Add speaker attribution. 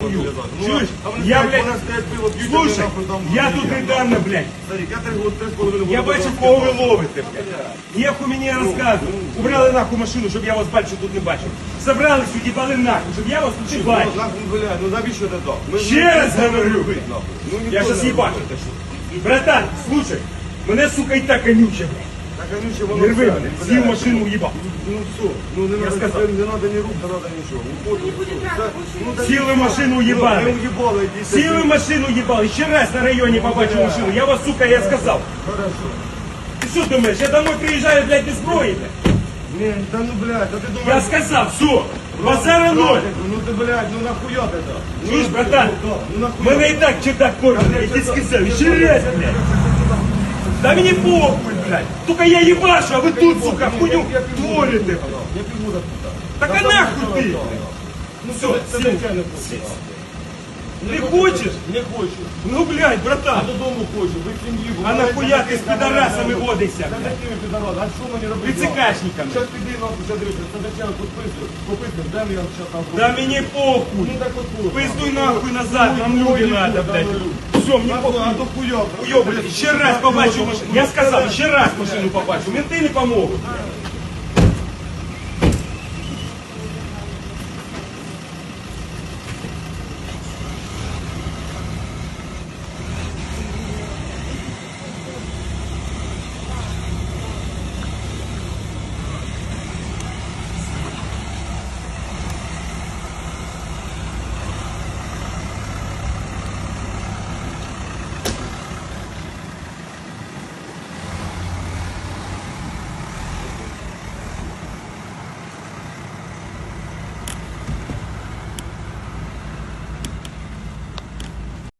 Speaker 1: Чуєш? Я, блядь, слушай, я тут недавно, блядь. Я бачу, кого ви ловите, блядь. Ніху мені розказує. Убрали нахуй машину, щоб я вас більше тут не бачив. Забрались, уїбали нахуй, щоб я вас тут не бачив.
Speaker 2: Ну навіщо ти так?
Speaker 1: Ще раз говорю, блядь. Я щас їбачу те, що. Братан, слушай, мене, сука, і так конюче, блядь. Не рви мене, сів машину уїбав.
Speaker 2: Ну все, ну не
Speaker 1: Я
Speaker 2: надо,
Speaker 1: сказав.
Speaker 2: не надо ні рук, не надо нічого.
Speaker 1: Сіли машину
Speaker 2: Не
Speaker 1: уїбали.
Speaker 2: уїбали, йдіть.
Speaker 1: Сіли машину їбали. Ще раз на районі побачив машину. Я вас, сука, я сказав.
Speaker 2: Хорошо.
Speaker 1: Ти що думаєш, я домой приїжджаю, блядь, без зброї, блядь?
Speaker 2: Ні, та ну блядь, а ти думаєш...
Speaker 1: Я сказав, все, базара ноль.
Speaker 2: Ну ти, блядь, ну нахуя ти так?
Speaker 1: Чуєш, братан,
Speaker 2: Ну нахуя?
Speaker 1: мене і так чердак кормить, я тебе сказав, ще раз, блядь. Да мені похуй, блядь. Только я ебашу, а ви тут, сука, хуйню творите, блядь.
Speaker 2: Я піду так.
Speaker 1: Так а нахуй ти?
Speaker 2: Ну
Speaker 1: Все,
Speaker 2: це
Speaker 1: сів.
Speaker 2: звичайно.
Speaker 1: Ти хочеш?
Speaker 2: Не хочу.
Speaker 1: Ну, блядь,
Speaker 2: А
Speaker 1: братан.
Speaker 2: додому хочу, ви сім'ї.
Speaker 1: А нахуя ти з підарасами водишся,
Speaker 2: Та
Speaker 1: блядь?
Speaker 2: якими підарасами? А що мені робити?
Speaker 1: Прицикашниками.
Speaker 2: Щас піди нахуй, задивися, це зачем пописуй, де я щас там
Speaker 1: Да мені похуй.
Speaker 2: Ну так от похуй.
Speaker 1: Пиздуй нахуй назад, нам люди надо, блядь. Все, мені похуй.
Speaker 2: А то хуйок.
Speaker 1: Йо, блядь, ще раз побачу машину. Я сказав, ще раз машину побачу. Менти не помогут.